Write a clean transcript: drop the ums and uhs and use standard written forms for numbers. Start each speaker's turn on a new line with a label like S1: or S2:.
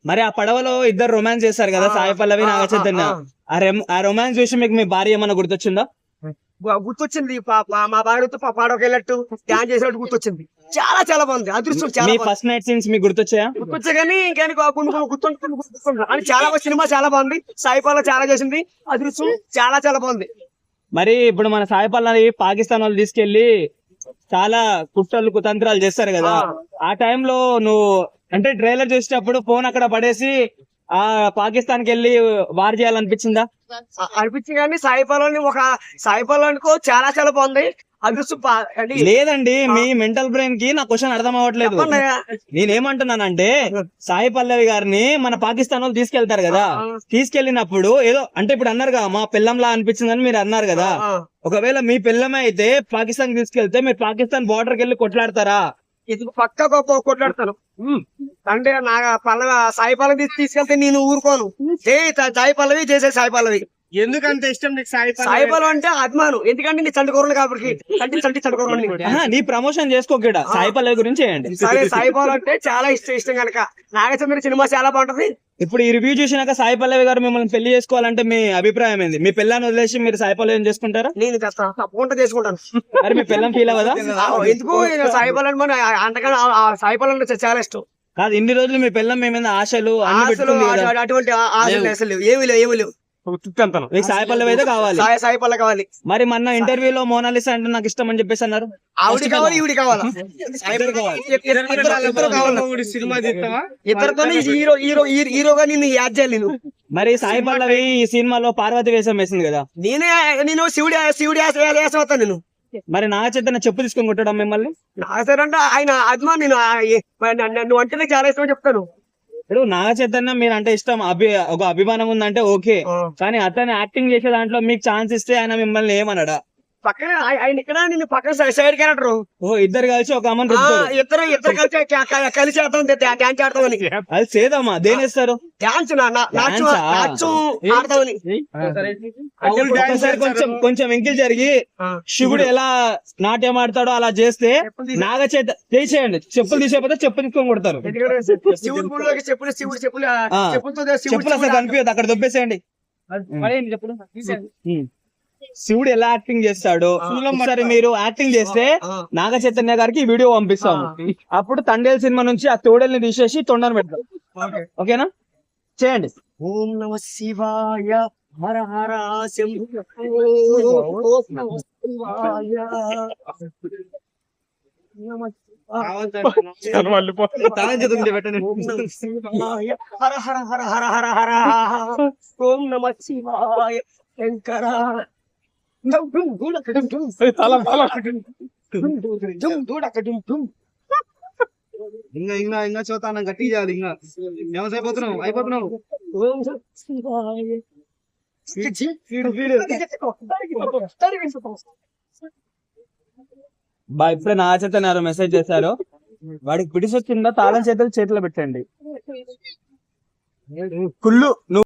S1: మరి ఆ పడవలో ఇద్దరు రొమాన్స్ చేస్తారు కదా, సాయి పల్లవి నాగ చైతన్య. ఆ రొమాన్స్ చూసి మీకు మీ భార్య ఏమన్నా గుర్తొచ్చిందా?
S2: గుర్తొచ్చింది. మా భార్యతో పాడవకి వెళ్ళట్టు డాన్స్ చేసినట్టు గుర్తొచ్చింది. చాలా చాలా బాగుంది. అదృష్టం చాలా
S1: మీ ఫస్ట్ నైట్ సీన్స్ మీకు గుర్తొచ్చాయా?
S2: గుర్తొచ్చా కానీ గుర్తుంటుంది. చాలా సినిమా చాలా బాగుంది. సాయి పల్లవి చాలా చేసింది. అదృష్టం చాలా చాలా బాగుంది.
S1: మరి ఇప్పుడు మన సాయి పల్లవి పాకిస్తాన్ వాళ్ళు తీసుకెళ్లి చాలా కుట్రలు కుతంత్రాలు చేస్తారు కదా, ఆ టైంలో నువ్వు అంటే ట్రైలర్ చూసేటప్పుడు ఫోన్ అక్కడ పడేసి ఆ పాకిస్తాన్ కి వెళ్ళి వార్ చేయాలనిపించిందా?
S2: అనిపించింది కానీ సాయి పల్లవి అనుకో చాలా చాలా బాగుంది. అదృష్టం
S1: లేదండి, మీ మెంటల్ బ్రెయిన్ కి నా క్వశ్చన్ అర్థం అవ్వట్లేదు. నేనేమంటున్నానంటే సాయి పల్లవి గారిని మన పాకిస్తాన్ వాళ్ళు తీసుకెళ్తారు కదా, తీసుకెళ్లినప్పుడు ఏదో అంటే ఇప్పుడు అన్నారు కదా మా పిల్లంలా అనిపించిందని మీరు అన్నారు కదా, ఒకవేళ మీ పిల్లమే అయితే పాకిస్తాన్ తీసుకెళ్తే మీరు పాకిస్తాన్ బోర్డర్కి వెళ్ళి కొట్లాడతారా?
S2: ఇది పక్క కొట్లాడతాను. అంటే నా సాయి పల్లవి తీసుకెళ్తే నేను ఊరుకోను. సాయి పల్లవి చేసే సాయి పల్లవి.
S3: ఎందుకంటే ఇష్టం నీకు సాయి
S2: పల్లవి అంటే అభిమానం. ఎందుకంటే నీ చంటి కాబట్టి
S1: నీ ప్రమోషన్ చేసుకోకడా సాయి పల్లవి గురించి చేయండి.
S2: సరే, సాయి పల్లవి అంటే చాలా ఇష్టం కనుక నాగచంద్ర సినిమా చాలా బాగుంటది.
S1: ఇప్పుడు ఈ రివ్యూ చూసినాక సాయి పల్లవి గారు మిమ్మల్ని పెళ్లి చేసుకోవాలంటే మీ అభిప్రాయం ఏంది? మీ పిల్లని వదిలేసి మీరు సాయి పల్లవి చేసుకుంటారా?
S2: నేను తప్పకుండా చేసుకుంటాను.
S1: మరి మీ పిల్లం ఫీల్ అవ్వదా?
S2: ఎందుకు సాయి పల్లవి మన అంతకన్నా సాయి పల్లవి చాలా ఇష్టం.
S1: కాదు, ఇన్ని రోజులు మీ పిల్లం మీ మీద ఆశలు
S2: అటువంటి ఆశలు అసలు ఏమి లేవు.
S1: సాయి పల్లవి అయితే కావాలి.
S2: సాయి పల్లవి కావాలి.
S1: మరి మొన్న ఇంటర్వ్యూలో మోనాలిసా అంటే నాకు ఇష్టం అని చెప్పేసి అన్నారు.
S2: ఆవిడ కావాలి, ఈవిడ కావాలి.
S3: సినిమా తీస్తావా?
S2: ఇద్దరితో హీరోగా నేను యాడ్ చేయాలి.
S1: మరి సాయి పల్లవి ఈ సినిమాలో పార్వతి వేషం వేసింది కదా,
S2: నేను శివుడి వేసం వస్తాను. నేను
S1: మరి నాగ చైతన్య చెప్పు తీసుకొని కొట్టడం మిమ్మల్ని?
S2: అంటే ఆయన అభిమానం. నువ్వు అంటే నాకు చాలా ఇష్టం చెప్తాను.
S1: ఇప్పుడు నాగ చైతన్య మీరు అంటే ఇష్టం, ఒక అభిమానం ఉందంటే ఓకే, కానీ అతను యాక్టింగ్ చేసే దాంట్లో మీకు ఛాన్స్ ఇస్తే ఆయన మిమ్మల్ని ఏమన్నాడా?
S2: పక్కన ఆయన ఇక్కడ నేను పక్కన సైడ్ క్యారెక్టర్.
S1: ఇద్దరు కలిసి ఒక అమ్మని
S2: ఇద్దరు కలిసి డాన్స్ ఆడతామని.
S1: అది సేదమ్మా దేనేస్తారు
S2: డాన్స్ ఆడతామని.
S1: ఒకసారి కొంచెం ఎంకిల్ జరిగి శివుడు ఎలా నాట్యం ఆడతాడో అలా చేస్తే నాగ చైతన్య చేయండి. చెప్పులు తీసేపోతే చెప్పులు తీసుకొని కొడతారు. చెప్పులు అసలు కనిపించదు, అక్కడ దొబ్బేసేయండి. శివుడు ఎలా యాక్టింగ్ చేస్తాడు ఒకసారి మీరు యాక్టింగ్ చేస్తే నాగ చైతన్య గారికి వీడియో పంపిస్తాము. అప్పుడు తండేల్ సినిమా నుంచి ఆ తోడల్ని తీసేసి తొండను పెడతాం. ఓకేనా? చేయండి.
S2: ఓం నమ శివాయ హర హర శంభో. హర హర హర హర హర హర. ఓం నమ శివాయ శంకర.
S3: ఇంకా చూతాను గట్టి చేయాలి. ఇంకా వ్యవసాయ అయిపోతున్నావు.
S1: ఇప్పుడే నాగ చైతన్య మెసేజ్ చేశారు, వాడికి పిడిసి వచ్చిందా తాళం చేతులు చేతిలో పెట్టండి. కుళ్ళు